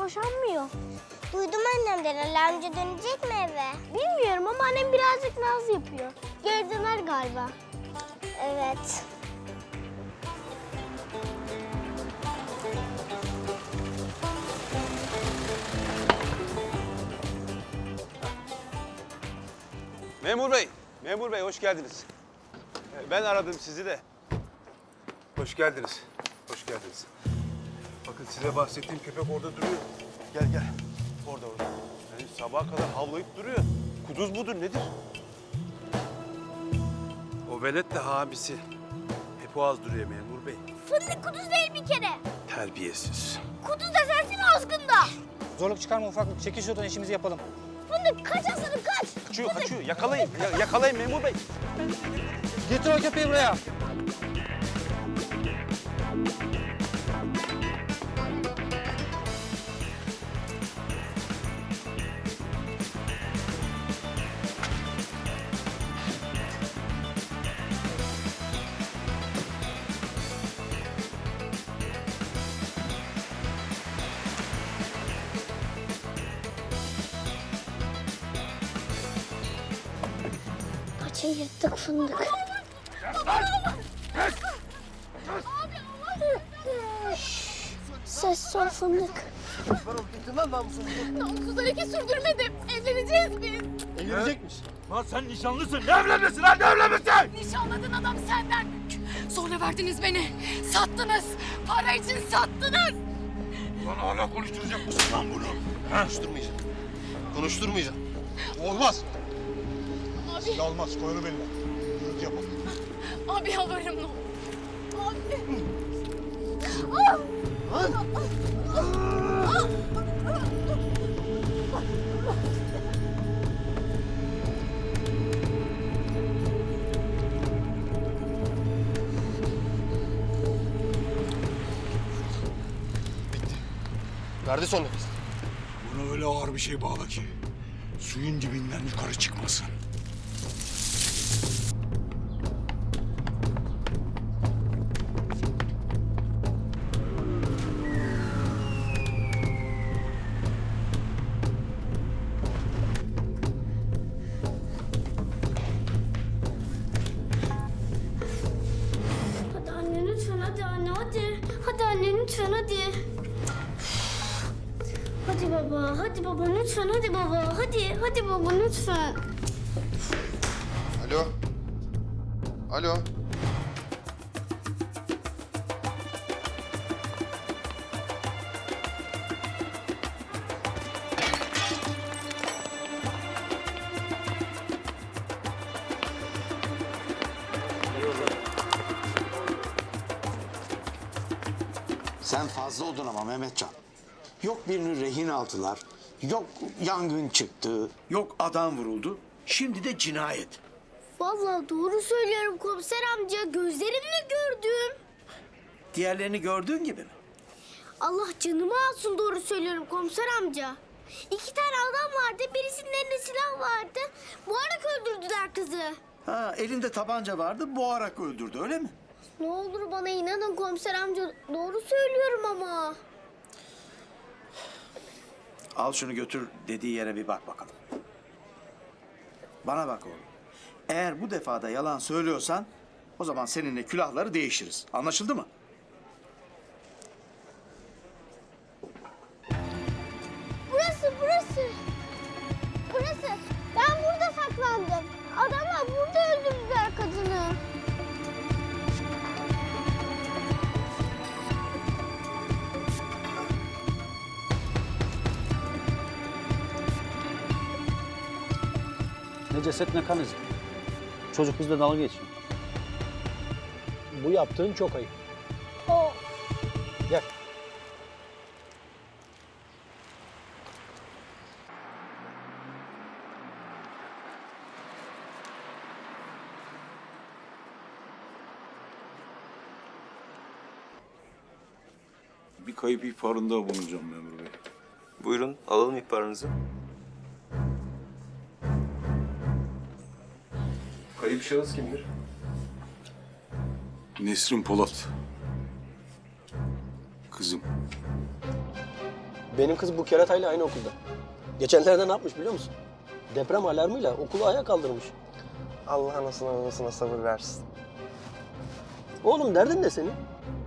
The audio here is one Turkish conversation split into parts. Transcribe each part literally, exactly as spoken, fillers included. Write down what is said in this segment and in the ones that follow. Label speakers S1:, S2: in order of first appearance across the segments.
S1: boşanmıyor.
S2: Duydum annemden. Ali amca dönecek mi eve?
S1: Bilmiyorum ama annem birazcık naz yapıyor. Geri döner galiba.
S2: Evet.
S3: Memur bey, memur bey hoş geldiniz. Ee, Ben aradım sizi de. Hoş geldiniz, hoş geldiniz. Bakın size bahsettiğim köpek orada duruyor. Gel gel, orada orada. Yani sabaha kadar havlayıp duruyor. Kuduz mudur nedir? O velet de abisi. Hep o az duruyor memur bey.
S1: Fındık kuduz değil bir kere.
S3: Terbiyesiz.
S1: Kuduz da sensin azgında.
S4: Zorluk çıkarma ufaklık. Çekil şuradan işimizi yapalım.
S1: Fındık kaç aslanım kaç.
S3: Kaçıyor, kaçıyor. Yakalayın, ya- yakalayın memur bey.
S4: Getir o köpeği buraya.
S1: Kaçın yırttık fındık. Ses sol fındık.
S5: Namussuza leke sürdürmedim. Evleneceğiz biz.
S6: Evlenecekmiş.
S7: Lan sen nişanlısın. Ne evlenmesin lan? Ne evlenmesin?
S5: Nişanladığın adam senden. Sonra verdiniz beni. Sattınız. Para için sattınız.
S7: Lan hala konuşturacak mısın lan bunu?
S6: Konuşturmayacağım. Konuşturmayacağım. Olmaz.
S5: Abi,
S6: Olmaz. Koy onu benimle. Gürültü yapalım.
S5: abi yalvarırım ne olur. Abi.
S6: Verdi son nefes.
S7: Buna öyle ağır bir şey bağla ki suyun dibinden yukarı çıkmasın.
S1: Hadi anne lütfen hadi anne hadi. Hadi anne lütfen hadi. Hadi baba, hadi baba lütfen hadi baba. Hadi, hadi baba lütfen.
S6: Alo. Alo.
S8: Sen fazla oldun ama Mehmetcan. Yok birini rehin aldılar, yok yangın çıktı.
S7: Yok adam vuruldu. Şimdi de cinayet.
S1: Vallahi doğru söylüyorum komiser amca. Gözlerimle gördüm.
S7: Diğerlerini gördüğün gibi mi?
S1: Allah canımı alsın doğru söylüyorum komiser amca. İki tane adam vardı. Birisinin elinde silah vardı. Boğarak öldürdüler kızı.
S7: Ha, elinde tabanca vardı, boğarak öldürdü öyle mi?
S1: Ne olur bana inanın komiser amca. Doğru söylüyorum ama.
S7: Al şunu götür dediği yere bir bak bakalım. Bana bak oğlum. Eğer bu defa da yalan söylüyorsan o zaman seninle külahları değişiriz. Anlaşıldı mı?
S1: Burası, burası. Burası. Ben burada saklandım. Adamlar burada öldürdüler kadını.
S9: Ne ceset ne kan izi. Çocuk bizle dalga geçiyor. Bu yaptığın çok ayıp.
S1: O.
S9: Gel.
S10: Bir kayıp ihbarında bulunacağım memur bey.
S11: Buyurun, alalım ihbarınızı.
S10: Kayıp şahıs kimdir? Nesrin Polat. Kızım.
S9: Benim kız bu keratayla aynı okulda. Geçenlerde ne yapmış biliyor musun? Deprem alarmıyla okulu ayağa kaldırmış.
S11: Allah anasına babasına sabır versin.
S9: Oğlum derdin ne senin?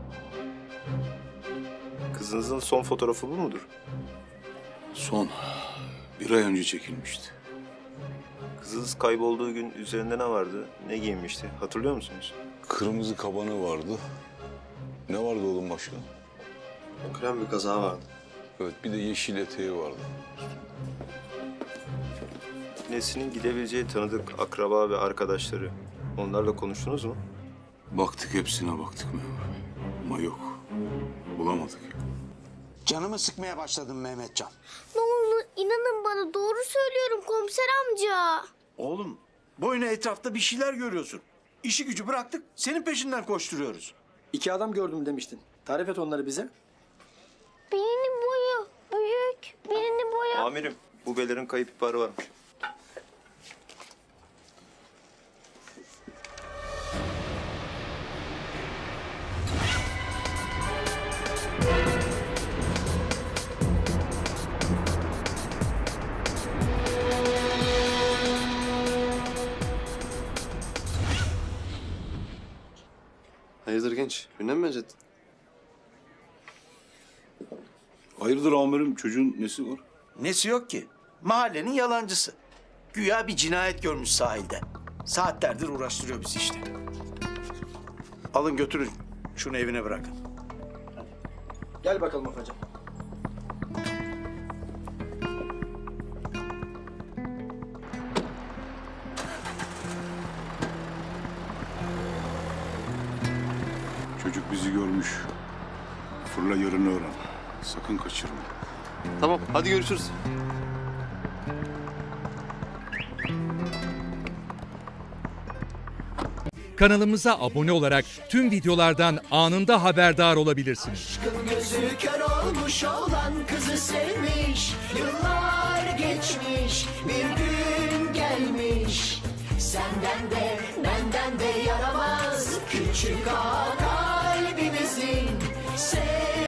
S11: Kızınızın son fotoğrafı bu mudur?
S10: Son bir ay önce çekilmişti.
S11: Kızınız kaybolduğu gün üzerinde ne vardı? Ne giyinmişti? Hatırlıyor musunuz?
S10: Kırmızı kabanı vardı. Ne vardı oğlum başka?
S11: Krem bir kazağı vardı.
S10: Evet, bir de yeşil eteği vardı.
S11: Nesin'in gidebileceği tanıdık akraba ve arkadaşları. Onlarla konuştunuz mu?
S10: Baktık, hepsine baktık memur bey. Ama yok. Bulamadık.
S8: Canımı sıkmaya başladım Mehmetcan.
S1: Ne olur inanın bana, doğru söylüyorum komiser amca.
S7: Oğlum boyuna etrafta bir şeyler görüyorsun. İşi gücü bıraktık senin peşinden koşturuyoruz.
S9: İki adam gördüm demiştin. Tarif et onları bize.
S1: Birinin boyu büyük, birinin boyu...
S11: Amirim, bu belerin kayıp ihbarı varmış.
S6: Hayırdır genç? Gündem mi benzettin?
S10: Hayırdır amirim, çocuğun nesi var?
S7: Nesi yok ki? Mahallenin yalancısı. Güya bir cinayet görmüş sahilde. Saatlerdir uğraştırıyor bizi işte. Alın götürün. Şunu evine bırakın.
S9: Gel bakalım Afacan.
S10: Çocuk bizi görmüş. Fırla yarını öğren. Sakın kaçırma.
S6: Tamam, hadi görüşürüz.
S12: Kanalımıza abone olarak tüm videolardan anında haberdar olabilirsiniz.
S8: Gözü kör olmuş olan kızı sevmiş. Yıllar geçmiş, bir gün gelmiş. Senden de benden de yaramaz küçük ağa kalbimizin.